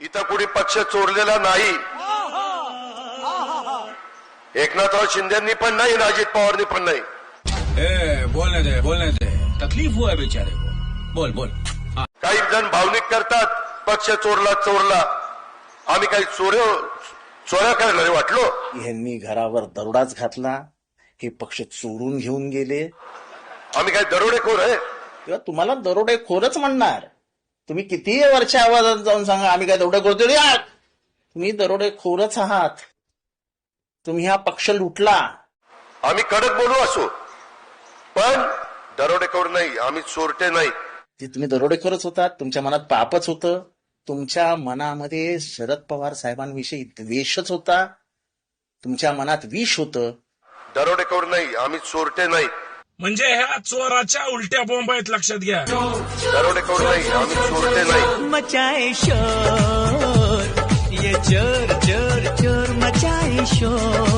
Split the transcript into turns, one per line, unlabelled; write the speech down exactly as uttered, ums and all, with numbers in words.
इथं कुणी पक्ष चोरलेला नाही. एकनाथराव शिंदेनी पण नाही, अजित पवारनी पण नाही.
ए, बोलने दे बोलने दे, तकलीफ हुआ है बेचारे को. बोल बोल.
काही जण भावनिक करतात, पक्ष चोरला चोरला. आम्ही काही चोर चोऱ्या करणारे वाटलो?
यांनी घरावर दरोडाच घातला, हे पक्ष चोरून घेऊन गेले.
आम्ही काही दरोडेखोर आहे?
तेव्हा तुम्हाला दरोडेखोरच म्हणणार. तुम्ही कितीही वरच्या आवाजात जाऊन सांगा आम्ही काय दरोडेखोर आहात, तुम्ही दरोडेखोरच आहात. तुम्ही हा पक्ष लुटला.
आम्ही कडक बोलू असो, पण दरोडेखोर नाही, आम्ही चोरटे नाही.
जे तुम्ही दरोडेखोरच होतात, तुमच्या मनात पापच होतं. तुमच्या मनामध्ये शरद पवार साहेबांविषयी द्वेषच होता. तुमच्या मनात विष होतं.
दरोडेखोर नाही, आम्ही चोरटे नाही.
म्हणजे ह्या चोराच्या उलट्या बॉम्ब आहेत, लक्षात घ्या.
दरोडेखोर नाही, आम्ही चोरटे नाही.
मचाए शोर, ये चोर चोर चोर मचाए शोर.